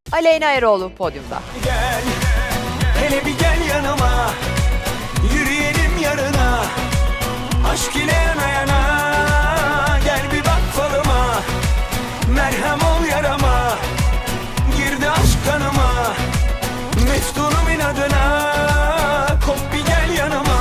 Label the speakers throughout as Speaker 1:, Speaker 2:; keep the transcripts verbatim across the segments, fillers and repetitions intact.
Speaker 1: Aleyna Eroğlu podyumda.
Speaker 2: Gel, hele bir gel yanıma, yürüyelim yarına, aşk ile yana yana, gel bir bak falıma, merhem ol yarama, girdi aşk kanıma, meftunum inadına, kop bir gel yanıma.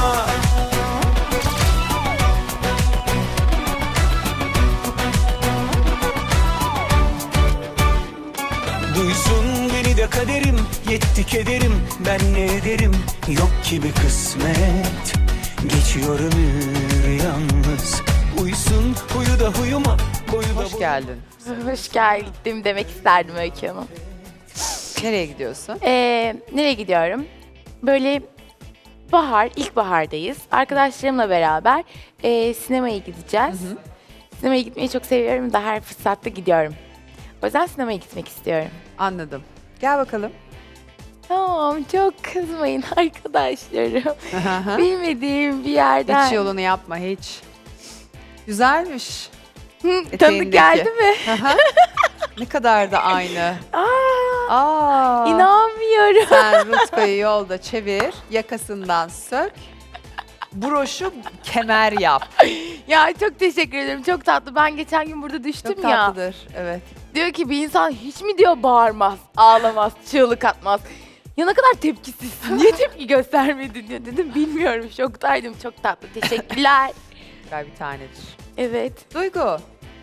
Speaker 2: Duysun beni de kaderim, yetti kederim, ben ne ederim, yok ki bir kısmet. Geçiyor ömür yalnız, uysun huyu da huyuma, boyu da
Speaker 1: Hoş
Speaker 2: boyu-
Speaker 1: geldin.
Speaker 3: Hoş geldim demek isterdim Öykü Hanım.
Speaker 1: Nereye gidiyorsun?
Speaker 3: Ee, nereye gidiyorum? Böyle bahar, ilkbahardayız. Arkadaşlarımla beraber e, sinemaya gideceğiz.
Speaker 1: Hı hı.
Speaker 3: Sinemaya gitmeyi çok seviyorum da her fırsatta gidiyorum. O yüzden sinemaya gitmek istiyorum.
Speaker 1: Anladım. Gel bakalım.
Speaker 3: Tamam, çok kızmayın arkadaşlarım. Bilmediğim bir yerden.
Speaker 1: Hiç yolunu yapma hiç. Güzelmiş.
Speaker 3: Hı, tanıdık
Speaker 1: eteğindeki.
Speaker 3: geldi mi?
Speaker 1: Aha. Ne kadar da aynı.
Speaker 3: Aa,
Speaker 1: Aa.
Speaker 3: inanmıyorum.
Speaker 1: Sen Rutkayı yolda çevir, yakasından sök. Broşu kemer yap.
Speaker 3: Ya çok teşekkür ederim. Çok tatlı. Ben geçen gün burada düştüm
Speaker 1: Çok
Speaker 3: ya.
Speaker 1: tatlıdır. Evet.
Speaker 3: Diyor ki bir insan hiç mi diyor bağırmaz, ağlamaz, çığlık atmaz. Ya ne kadar tepkisizsin. Niye tepki göstermedin diyor. Dedim bilmiyorum. Şoktaydım. Çok tatlı. Teşekkürler.
Speaker 1: Güzel bir tanedir.
Speaker 3: Evet.
Speaker 1: Duygu.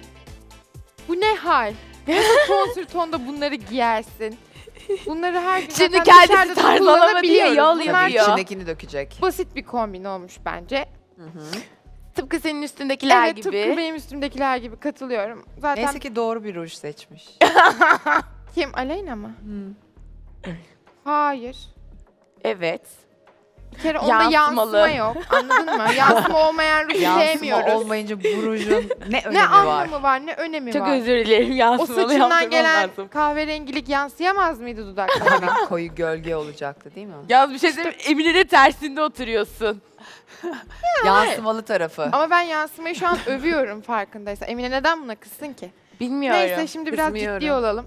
Speaker 4: Bu ne hal? Nasıl konsültonda bunları giyersin? Bunları her gün
Speaker 3: Şimdi
Speaker 4: zaten
Speaker 3: kendisi
Speaker 4: dışarıda
Speaker 3: tarzlama diye
Speaker 4: kullanabiliyoruz.
Speaker 3: yol
Speaker 4: Bunlar
Speaker 1: Tabii
Speaker 3: yapıyor.
Speaker 1: içindekini dökecek.
Speaker 4: basit bir kombin olmuş bence.
Speaker 1: Hı hı.
Speaker 3: Tıpkı senin üstündekiler
Speaker 4: evet,
Speaker 3: gibi.
Speaker 4: tıpkı benim üstümdekiler gibi katılıyorum. Zaten
Speaker 1: Neyse ki doğru bir ruj seçmiş.
Speaker 4: kim? Aleyna mı?
Speaker 1: Hı.
Speaker 4: Hayır.
Speaker 3: Evet.
Speaker 4: Bir kere onda
Speaker 3: Yansımalı.
Speaker 4: yansıma yok. Anladın mı? Yansıma olmayan ruju
Speaker 1: Yansıma
Speaker 4: sevmiyoruz.
Speaker 1: olmayınca bu rujun ne önemi
Speaker 4: Ne
Speaker 1: var?
Speaker 4: anlamı var, ne önemi
Speaker 3: Çok
Speaker 4: var.
Speaker 3: özür dilerim.
Speaker 4: O
Speaker 3: Yansımalı
Speaker 4: saçından
Speaker 3: yaptırmam
Speaker 4: gelen
Speaker 3: lazım.
Speaker 4: kahverengilik yansıyamaz mıydı dudaklarına?
Speaker 1: Tabii koyu gölge olacaktı değil mi?
Speaker 3: Yalnız bir şey söyleyeyim. Emine'de tersinde oturuyorsun.
Speaker 1: Yansımalı tarafı.
Speaker 4: Ama ben yansımayı şu an övüyorum farkındaysan. Emine neden buna kızsın ki?
Speaker 3: Bilmiyorum.
Speaker 4: Neyse şimdi biraz
Speaker 3: Kızmıyorum.
Speaker 4: ciddi olalım.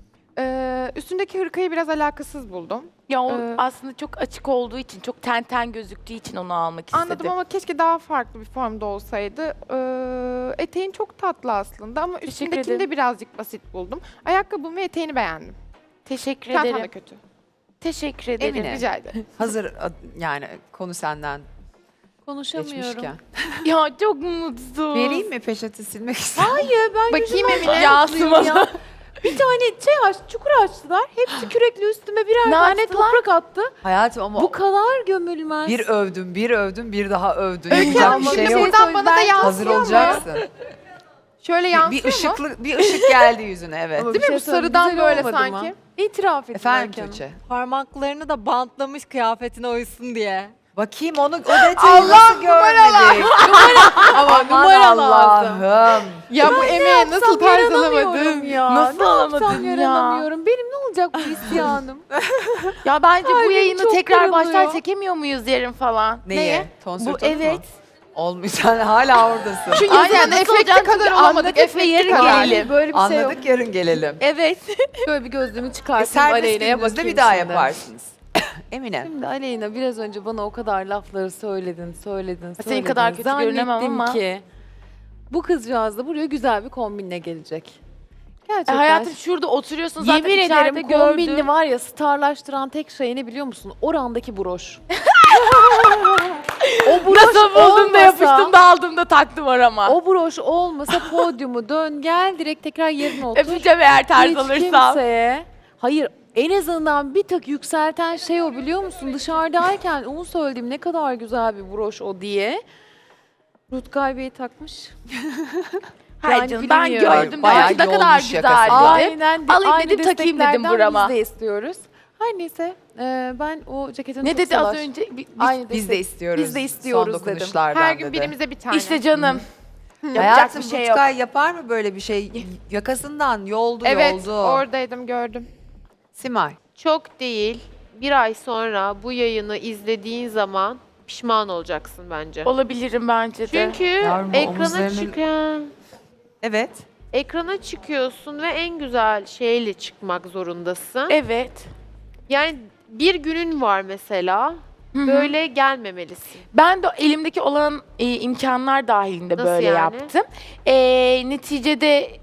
Speaker 4: Ee, üstündeki hırkayı biraz alakasız buldum.
Speaker 3: Ya o
Speaker 4: Ee,
Speaker 3: aslında çok açık olduğu için, çok ten ten gözüktüğü için onu almak istedim.
Speaker 4: Anladım ama keşke daha farklı bir formda olsaydı. Ee, eteğin çok tatlı aslında ama
Speaker 3: Teşekkür
Speaker 4: üstündekini
Speaker 3: ederim.
Speaker 4: de birazcık basit buldum. Ayakkabımı ve eteğini beğendim.
Speaker 3: Teşekkür
Speaker 4: Çantam da
Speaker 3: ederim.
Speaker 4: kötü.
Speaker 3: Teşekkür ederim.
Speaker 1: Emine.
Speaker 4: Rica ederim.
Speaker 1: Hazır ad- yani konu senden
Speaker 5: Konuşamıyorum.
Speaker 1: geçmişken.
Speaker 3: Ya çok mutsuz.
Speaker 1: Vereyim mi peçete silmek ister?
Speaker 5: Hayır ben
Speaker 4: Bakayım
Speaker 5: yüzümü
Speaker 4: Emine.
Speaker 5: açlıyorum ya. Bir tane şey aç, çukur açtılar. Hepsi kürekli üstüme birer
Speaker 3: Ne
Speaker 5: tane
Speaker 3: açtılar?
Speaker 5: toprak attı.
Speaker 1: Hayatım ama
Speaker 5: Bu kadar gömülmez.
Speaker 1: bir övdüm, bir övdüm, bir daha övdün.
Speaker 4: Öykü
Speaker 1: Yapacak
Speaker 4: Hanım,
Speaker 1: bir şey
Speaker 4: şimdi
Speaker 1: yok.
Speaker 4: buradan bana da
Speaker 5: Ben-
Speaker 1: Hazır
Speaker 4: yansıyor mu?
Speaker 1: olacaksın.
Speaker 4: Şöyle
Speaker 1: Bir,
Speaker 4: yansıyor
Speaker 1: bir
Speaker 4: mu?
Speaker 1: ışıklı, bir ışık geldi yüzüne evet.
Speaker 5: Ama
Speaker 4: Değil
Speaker 5: bir
Speaker 4: mi? Bu
Speaker 5: şey söyleyeyim,
Speaker 4: sarıdan
Speaker 5: güzel
Speaker 4: böyle
Speaker 5: olmadı
Speaker 4: sanki.
Speaker 5: mı? İtiraf edin
Speaker 1: Efendim
Speaker 5: Öykü Hanım.
Speaker 1: Tuğçe.
Speaker 6: Parmaklarını da bantlamış kıyafetine uysun diye.
Speaker 1: Bakayım onu o detayı nasıl görmedik?
Speaker 5: Ama
Speaker 1: Aman
Speaker 5: numara lazım.
Speaker 1: Allah'ım.
Speaker 4: Ya bu emeğe nasıl tarz
Speaker 5: Yaranamıyorum
Speaker 4: alamadın?
Speaker 5: ya.
Speaker 3: Nasıl
Speaker 5: ne
Speaker 3: alamadın
Speaker 5: yapsam
Speaker 3: ya?
Speaker 5: yaranamıyorum. Benim ne olacak bu isyanım?
Speaker 3: Ya bence bu
Speaker 5: Kalbim
Speaker 3: yayını
Speaker 5: çok
Speaker 3: tekrar
Speaker 5: kırılıyor.
Speaker 3: baştan çekemiyor muyuz yarın falan?
Speaker 1: Neye?
Speaker 3: Neye?
Speaker 1: Tonsür
Speaker 3: Bu
Speaker 1: tonu mu?
Speaker 3: evet.
Speaker 1: Olmuş sen hala oradasın.
Speaker 4: Şu
Speaker 3: Aynen,
Speaker 4: yüzden
Speaker 3: nasıl
Speaker 4: efekti
Speaker 3: olacak?
Speaker 4: kadar
Speaker 3: Çünkü
Speaker 4: olamadık.
Speaker 3: anladık ve
Speaker 4: Efekti
Speaker 3: yarın
Speaker 4: kadar.
Speaker 3: gelelim.
Speaker 5: Böyle bir şey yok.
Speaker 1: Anladık yarın gelelim.
Speaker 3: Evet.
Speaker 5: Şöyle bir gözlüğümü
Speaker 1: E,
Speaker 5: çıkartayım
Speaker 1: serbest
Speaker 5: Aleyna'ya
Speaker 1: gününüzde
Speaker 5: bakayım
Speaker 1: bir daha
Speaker 5: şimdi.
Speaker 1: yaparsınız. Emine.
Speaker 5: Şimdi Aleyna biraz önce bana o kadar lafları söyledin, söyledin, söyledin.
Speaker 3: Senin kadar kötü görünemem
Speaker 5: Zannettim
Speaker 3: ama.
Speaker 5: ki bu kızcağız da buraya güzel bir kombinle gelecek. Gerçekten.
Speaker 3: E, hayatım şurada oturuyorsun zaten
Speaker 5: Yemin
Speaker 3: içeride
Speaker 5: ederim
Speaker 3: gördüm.
Speaker 5: kombinli var ya starlaştıran tek şey ne biliyor musun? Orandaki broş. o broş
Speaker 3: Nasıl buldum da
Speaker 5: olmasa-
Speaker 3: yapıştım da aldım da taktım orama.
Speaker 5: O broş olmasa podyumu dön gel direkt tekrar yerine otur.
Speaker 3: Öpeceğim eğer tarz
Speaker 5: Hiç
Speaker 3: alırsam.
Speaker 5: kimseye. Hayır en azından bir tık yükselten şey o biliyor musun? Dışarıdayken onu söylediğim ne kadar güzel bir broş o diye. Rutkay Bey takmış.
Speaker 3: Hayır
Speaker 5: Yani
Speaker 3: canım ben
Speaker 5: bilmiyorum.
Speaker 3: gördüm
Speaker 1: Bayağı
Speaker 3: dedim ki ne kadar
Speaker 1: yolmuş
Speaker 3: güzel
Speaker 1: yakası.
Speaker 3: dedim.
Speaker 5: Aynen. de-
Speaker 3: Alayım
Speaker 5: aynı
Speaker 3: dedim, takayım dedim
Speaker 5: desteklerden
Speaker 3: burama.
Speaker 5: Biz de istiyoruz. Her neyse e, ben o ceketini
Speaker 3: Ne
Speaker 5: çok
Speaker 3: dedi az
Speaker 5: sever.
Speaker 3: önce? Bi- Biz,
Speaker 5: Aynı
Speaker 1: Biz de
Speaker 5: destek-
Speaker 1: istiyoruz.
Speaker 5: Biz de istiyoruz
Speaker 1: son
Speaker 5: dedim.
Speaker 1: dokunuşlardan
Speaker 4: Her gün
Speaker 1: dedi.
Speaker 4: birimize bir tane.
Speaker 3: İşte canım. Yapacak
Speaker 1: Hayatım
Speaker 3: bir şey yok.
Speaker 1: Rutkay yapar mı böyle bir şey? Yakasından yoldu
Speaker 4: Evet,
Speaker 1: yoldu.
Speaker 4: oradaydım gördüm.
Speaker 1: Simay.
Speaker 7: Çok değil. Bir ay sonra bu yayını izlediğin zaman pişman olacaksın bence.
Speaker 3: Olabilirim bence de.
Speaker 7: Çünkü
Speaker 1: Yavrum,
Speaker 7: ekrana
Speaker 1: omuzlarının-
Speaker 7: çıkan
Speaker 1: Evet.
Speaker 7: ekrana çıkıyorsun ve en güzel şeyle çıkmak zorundasın.
Speaker 3: Evet.
Speaker 7: Yani bir günün var mesela.
Speaker 3: Hı hı.
Speaker 7: Böyle gelmemelisin.
Speaker 3: Ben de elimdeki olan e, imkanlar dahilinde
Speaker 7: Nasıl
Speaker 3: böyle
Speaker 7: yani?
Speaker 3: yaptım. E, neticede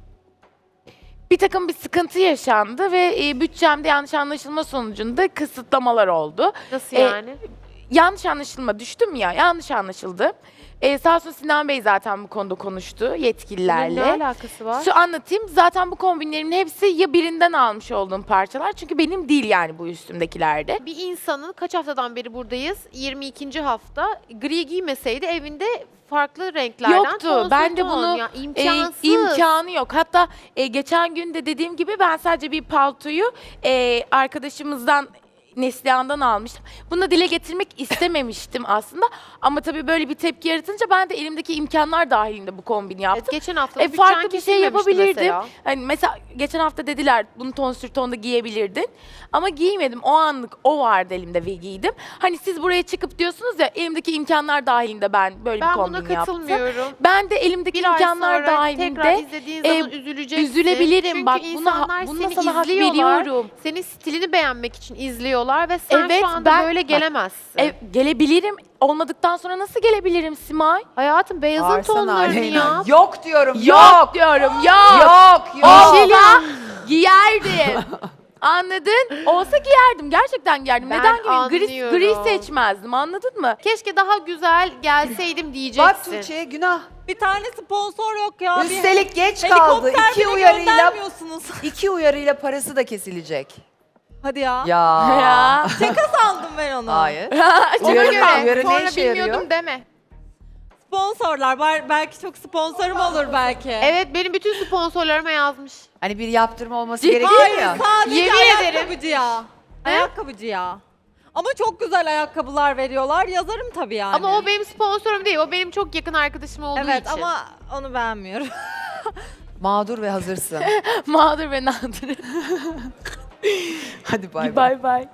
Speaker 3: bir takım bir sıkıntı yaşandı ve e, bütçemde yanlış anlaşılma sonucunda kısıtlamalar oldu.
Speaker 7: Nasıl
Speaker 3: E,
Speaker 7: yani?
Speaker 3: Yanlış anlaşılma düştüm ya, yanlış anlaşıldı. E, sağ olsun Sinan Bey zaten bu konuda konuştu
Speaker 7: Bunun ne
Speaker 3: yetkililerle.
Speaker 7: alakası var?
Speaker 3: Şu anlatayım. Zaten bu kombinlerimin hepsi ya birinden almış olduğum parçalar. Çünkü benim değil yani bu üstümdekilerde.
Speaker 7: Bir insanın kaç haftadan beri buradayız? yirmi ikinci hafta gri giymeseydi evinde farklı renklerden
Speaker 3: Yoktu.
Speaker 7: ton
Speaker 3: Ben de
Speaker 7: ton.
Speaker 3: bunu
Speaker 7: Ya,
Speaker 3: e,
Speaker 7: imkansız.
Speaker 3: imkanı yok. Hatta e, geçen gün de dediğim gibi ben sadece bir paltoyu e, arkadaşımızdan Neslihan'dan almıştım. Bunu da dile getirmek istememiştim aslında. Ama tabii böyle bir tepki yaratınca ben de elimdeki imkanlar dahilinde bu kombini yaptım.
Speaker 7: Evet, geçen hafta
Speaker 3: E, farklı bir şey yapabilirdim.
Speaker 7: Mesela.
Speaker 3: Hani mesela geçen hafta dediler bunu ton sür tonda giyebilirdin. Ama giymedim. O anlık o vardı elimde ve giydim. Hani siz buraya çıkıp diyorsunuz ya elimdeki imkanlar dahilinde ben böyle
Speaker 7: Ben
Speaker 3: bir
Speaker 7: buna
Speaker 3: kombin yaptım.
Speaker 7: katılmıyorum.
Speaker 3: Ben de elimdeki
Speaker 7: Bir ay
Speaker 3: imkanlar
Speaker 7: sonra tekrar
Speaker 3: dahilinde
Speaker 7: izlediğin
Speaker 3: e,
Speaker 7: zaman üzüleceksin.
Speaker 3: üzülebilirim.
Speaker 7: Çünkü
Speaker 3: Bak buna,
Speaker 7: insanlar
Speaker 3: buna
Speaker 7: seni
Speaker 3: sana hak
Speaker 7: izliyorlar.
Speaker 3: veriyorum.
Speaker 7: Senin stilini beğenmek için izliyorlar ve sen
Speaker 3: Evet,
Speaker 7: şu anda
Speaker 3: ben-
Speaker 7: böyle
Speaker 3: bak,
Speaker 7: gelemezsin.
Speaker 3: E, gelebilirim. Olmadıktan sonra nasıl gelebilirim Simay?
Speaker 7: Hayatım beyazın
Speaker 1: Bağırsana
Speaker 7: tonlarını
Speaker 1: Aleyna.
Speaker 7: yap.
Speaker 1: Yok diyorum.
Speaker 3: Yok,
Speaker 1: Yok.
Speaker 3: diyorum. Yok.
Speaker 1: Yok. Yok.
Speaker 3: Olsa giyerdim. Anladın? Olsa giyerdim. Gerçekten giyerdim.
Speaker 7: Ben
Speaker 3: Neden giyeyim? Gri,
Speaker 7: anlıyorum.
Speaker 3: gri seçmezdim. Anladın mı?
Speaker 7: Keşke daha güzel gelseydim
Speaker 1: Bak
Speaker 7: diyeceksin.
Speaker 1: Tuğçe'ye günah.
Speaker 6: Bir tane sponsor yok ya. Bir
Speaker 1: Üstelik geç kaldı.
Speaker 6: helikopter
Speaker 1: İki
Speaker 6: bile
Speaker 1: uyarıyla
Speaker 6: göndermiyorsunuz.
Speaker 1: iki uyarıyla parası da kesilecek.
Speaker 6: Hadi ya.
Speaker 1: Ya.
Speaker 3: Ya.
Speaker 6: Sandım ben onu.
Speaker 1: Hayır.
Speaker 3: Ona
Speaker 1: Uyarı-
Speaker 3: göre.
Speaker 1: uyarı ne
Speaker 4: Sonra
Speaker 1: işe yarıyor?
Speaker 4: bilmiyordum deme.
Speaker 6: Sponsorlar var. Belki çok sponsorum olur belki.
Speaker 7: Evet, benim bütün sponsorlarıma yazmış.
Speaker 1: Hani bir yaptırma olması
Speaker 3: Ciddi
Speaker 1: gerekiyor
Speaker 6: Hayır
Speaker 1: ya.
Speaker 6: sadece
Speaker 7: Yemin
Speaker 6: ayakkabıcı ya. Ayakkabıcı ya. Ama çok güzel ayakkabılar veriyorlar. Yazarım tabii yani.
Speaker 7: Ama o benim sponsorum değil, o benim çok yakın arkadaşım olduğu
Speaker 6: Evet
Speaker 7: için.
Speaker 6: ama onu beğenmiyorum.
Speaker 1: Mağdur ve hazırsın.
Speaker 3: Mağdur ve nadir.
Speaker 1: Hadi bay bay.
Speaker 3: Bay bay.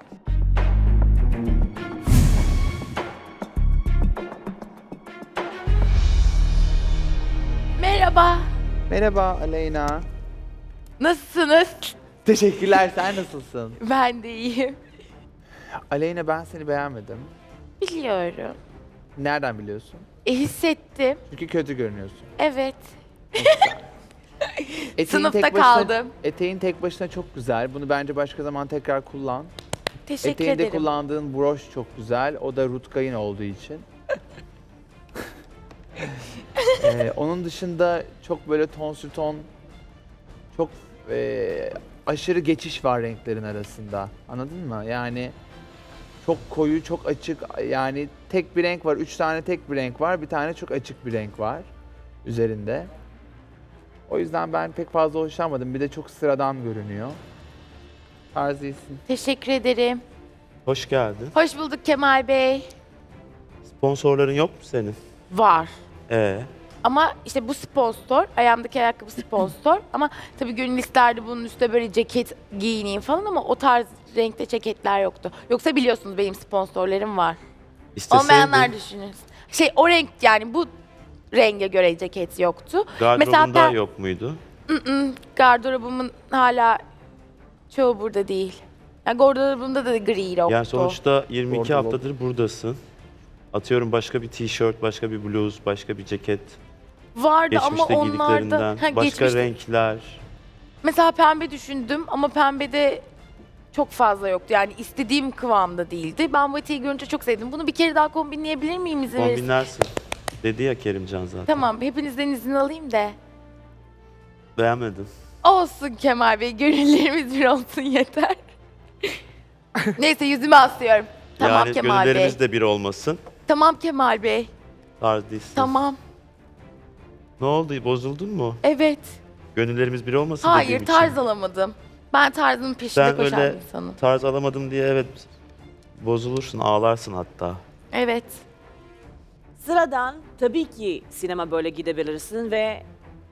Speaker 3: Merhaba.
Speaker 8: Merhaba Aleyna.
Speaker 3: Nasılsınız?
Speaker 8: Teşekkürler, sen nasılsın?
Speaker 3: Ben de iyiyim.
Speaker 8: Aleyna, ben seni beğenmedim.
Speaker 3: Biliyorum.
Speaker 8: Nereden biliyorsun?
Speaker 3: E, hissettim.
Speaker 8: Çünkü kötü görünüyorsun.
Speaker 3: Evet.
Speaker 8: Eteğin
Speaker 3: Sınıfta
Speaker 8: tek başına-
Speaker 3: kaldım.
Speaker 8: Eteğin tek başına çok güzel. Bunu bence başka zaman tekrar kullan.
Speaker 3: Teşekkür
Speaker 8: Eteğinde
Speaker 3: ederim.
Speaker 8: kullandığın broş çok güzel. O da Rutkay'ın olduğu için. Ee, onun dışında çok böyle ton sür ton, çok e, aşırı geçiş var renklerin arasında. Anladın mı? Yani çok koyu, çok açık. Yani tek bir renk var. Üç tane tek bir renk var. Bir tane çok açık bir renk var üzerinde. O yüzden ben pek fazla hoşlanmadım. Bir de çok sıradan görünüyor. Tarz iyisin.
Speaker 3: Teşekkür ederim.
Speaker 9: Hoş geldin.
Speaker 3: Hoş bulduk Kemal Bey.
Speaker 9: Sponsorların yok mu senin?
Speaker 3: Var.
Speaker 9: Ee,
Speaker 3: Ama işte bu sponsor, ayağımdaki ayakkabı sponsor. Ama tabii gönül isterdi bunun üstüne böyle ceket giyineyim falan ama o tarz renkte ceketler yoktu. Yoksa biliyorsunuz benim sponsorlarım var.
Speaker 9: isteseydin
Speaker 3: Olmayanlar düşünün. Şey o renk yani bu renge göre ceket yoktu.
Speaker 9: gardırobunda
Speaker 3: ben-
Speaker 9: yok muydu?
Speaker 3: Mm-mm, gardırobumun hala çoğu burada değil. Yani gardırobumda da gri yoktu.
Speaker 9: Yani sonuçta yirmi iki
Speaker 8: Gardırop.
Speaker 9: haftadır buradasın. Atıyorum başka bir tişört, başka bir bluz, başka bir ceket.
Speaker 3: Vardı ama
Speaker 9: Geçmişte
Speaker 3: onlarda
Speaker 9: giydiklerinden.
Speaker 3: Ha,
Speaker 9: Başka
Speaker 3: geçmişte-
Speaker 9: renkler.
Speaker 3: Mesela pembe düşündüm ama pembede çok fazla yoktu. Yani istediğim kıvamda değildi. Ben bu eteği görünce çok sevdim. Bunu bir kere daha kombinleyebilir miyim izin verirseniz?
Speaker 9: Kombinlersin. Dedi ya Kerimcan zaten.
Speaker 3: Tamam, hepinizden izin alayım da.
Speaker 9: Beğenmedim.
Speaker 3: Olsun Kemal Bey, gönüllerimiz bir olsun yeter. Neyse yüzüme asıyorum. Tamam
Speaker 9: yani
Speaker 3: Kemal Bey.
Speaker 9: gönüllerimiz de bir olmasın.
Speaker 3: Tamam Kemal Bey.
Speaker 9: Tarz değilsin.
Speaker 3: Tamam.
Speaker 9: Ne oldu? Bozuldun mu?
Speaker 3: Evet.
Speaker 9: Gönüllerimiz bir olmasın
Speaker 3: Hayır,
Speaker 9: dediğim
Speaker 3: tarz
Speaker 9: için.
Speaker 3: alamadım. Ben tarzımın peşinde
Speaker 9: Sen
Speaker 3: koşan
Speaker 9: öyle
Speaker 3: bir insanım.
Speaker 9: tarz alamadım diye evet bozulursun, ağlarsın hatta.
Speaker 3: Evet.
Speaker 10: Sıradan tabii ki sinema böyle gidebilirsin ve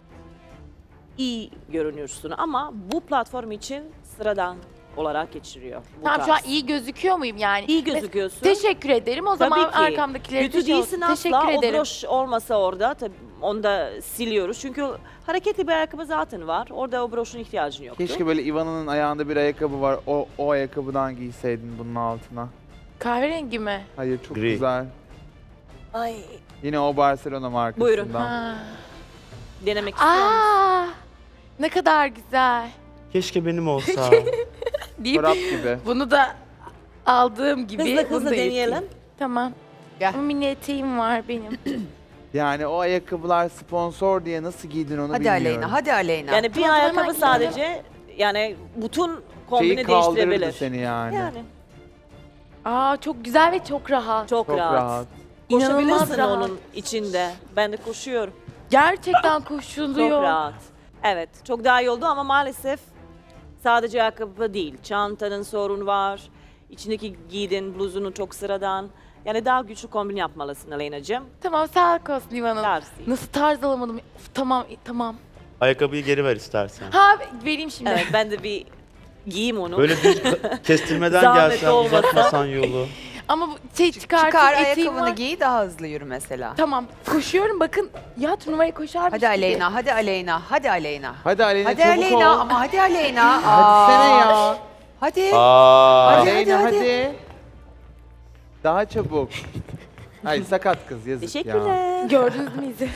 Speaker 10: iyi görünürsün ama bu platform için sıradan olarak geçiriyor. Bu
Speaker 3: Tamam şu an
Speaker 10: tarz.
Speaker 3: iyi gözüküyor muyum yani?
Speaker 10: İyi gözüküyorsun.
Speaker 3: Teşekkür ederim. O
Speaker 10: Tabii
Speaker 3: zaman
Speaker 10: ki.
Speaker 3: arkamdakileri
Speaker 10: Kötü
Speaker 3: de şey
Speaker 10: değilsin
Speaker 3: olsun.
Speaker 10: asla.
Speaker 3: Teşekkür
Speaker 10: O
Speaker 3: ederim.
Speaker 10: broş olmasa orada tabii Onu da siliyoruz. Çünkü hareketli bir ayakkabı zaten var. Orada o broşun ihtiyacın yoktu.
Speaker 8: Keşke böyle Ivana'nın ayağında bir ayakkabı var. O, o ayakkabıdan giyseydin bunun altına.
Speaker 3: Kahverengi mi?
Speaker 8: Hayır çok
Speaker 9: Gri.
Speaker 8: güzel.
Speaker 10: Ay,
Speaker 8: Yine o Barcelona markasından.
Speaker 10: Buyurun.
Speaker 3: Ha.
Speaker 10: denemek istiyor musun?
Speaker 3: Aa, ne kadar güzel.
Speaker 9: Keşke benim olsa.
Speaker 3: Deyip
Speaker 8: Çorap gibi.
Speaker 3: bunu da aldığım gibi.
Speaker 10: Hızlı
Speaker 3: bunu
Speaker 10: hızlı
Speaker 3: da
Speaker 10: deneyelim.
Speaker 3: yapayım. Tamam.
Speaker 1: Gel.
Speaker 3: Ama mini eteğim var benim.
Speaker 8: Yani o ayakkabılar sponsor diye nasıl giydin onu
Speaker 1: Hadi
Speaker 8: bilmiyorum.
Speaker 1: Aleyna, hadi Aleyna.
Speaker 10: Yani bir
Speaker 3: Tamam,
Speaker 10: ayakkabı
Speaker 3: hemen
Speaker 10: sadece yani bütün kombini
Speaker 8: Şeyi kaldırırdı
Speaker 10: değiştirebilir.
Speaker 8: seni yani.
Speaker 10: Yani
Speaker 3: Aa, çok güzel ve çok rahat.
Speaker 10: çok,
Speaker 8: Çok
Speaker 10: rahat.
Speaker 8: rahat.
Speaker 3: İnanılmaz
Speaker 10: Koşabilirsin
Speaker 3: rahat.
Speaker 10: onun içinde. Ben de koşuyorum.
Speaker 3: Gerçekten
Speaker 10: Çok
Speaker 3: koşuluyor.
Speaker 10: rahat. Evet, çok daha iyi oldu ama maalesef sadece ayakkabı değil. Çantanın sorun var. İçindeki giydin bluzunu çok sıradan. Yani daha güçlü kombin yapmalısın Aleyna'cığım.
Speaker 3: Tamam, sağ olsun Livan'ım.
Speaker 10: Tavsiye.
Speaker 3: Nasıl tarz alamadım? Of, tamam, tamam.
Speaker 9: Ayakkabıyı geri ver istersen.
Speaker 3: Ha, vereyim şimdi.
Speaker 10: Evet, ben de bir giyeyim onu.
Speaker 9: Böyle düz ka- kestirmeden
Speaker 10: Zahmet
Speaker 9: gelsen,
Speaker 10: olmasa.
Speaker 9: uzatmasan yolu.
Speaker 3: Ama bu şey çıkartıp
Speaker 1: Çıkar
Speaker 3: eteğim
Speaker 1: ayakkabını
Speaker 3: var.
Speaker 1: giy, daha hızlı yürü mesela.
Speaker 3: Tamam, koşuyorum bakın. Ya turnuvaya koşarmış
Speaker 1: Hadi
Speaker 3: gibi.
Speaker 1: Aleyna, hadi Aleyna, hadi Aleyna.
Speaker 8: Hadi Aleyna
Speaker 1: Hadi
Speaker 8: çabuk
Speaker 1: Aleyna
Speaker 8: ol.
Speaker 1: ama hadi Aleyna.
Speaker 8: Hadi sene
Speaker 1: Aa,
Speaker 8: ya.
Speaker 1: Hadi.
Speaker 9: Aa,
Speaker 1: Hadi,
Speaker 8: Aleyna
Speaker 1: hadi,
Speaker 8: hadi. Daha çabuk. Ay sakat kız yazık ya.
Speaker 10: Teşekkürler.
Speaker 3: Gördünüz mü izi?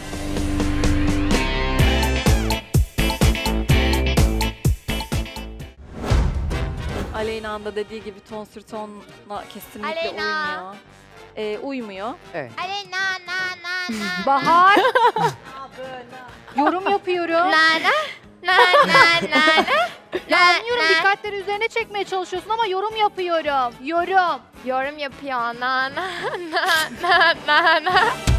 Speaker 6: Aleyna'nın da dediği gibi ton sür tonla kesinlikle
Speaker 11: Aleyna.
Speaker 6: uymuyor. Ee, uymuyor.
Speaker 11: Aleyna na na na.
Speaker 4: Bahar. Yorum yapıyorum.
Speaker 11: Na na. Na na na na.
Speaker 4: Ya anlıyorum dikkatleri üzerine çekmeye çalışıyorsun ama yorum yapıyorum. Yorum.
Speaker 11: Yorum yapıyor na na na na na na.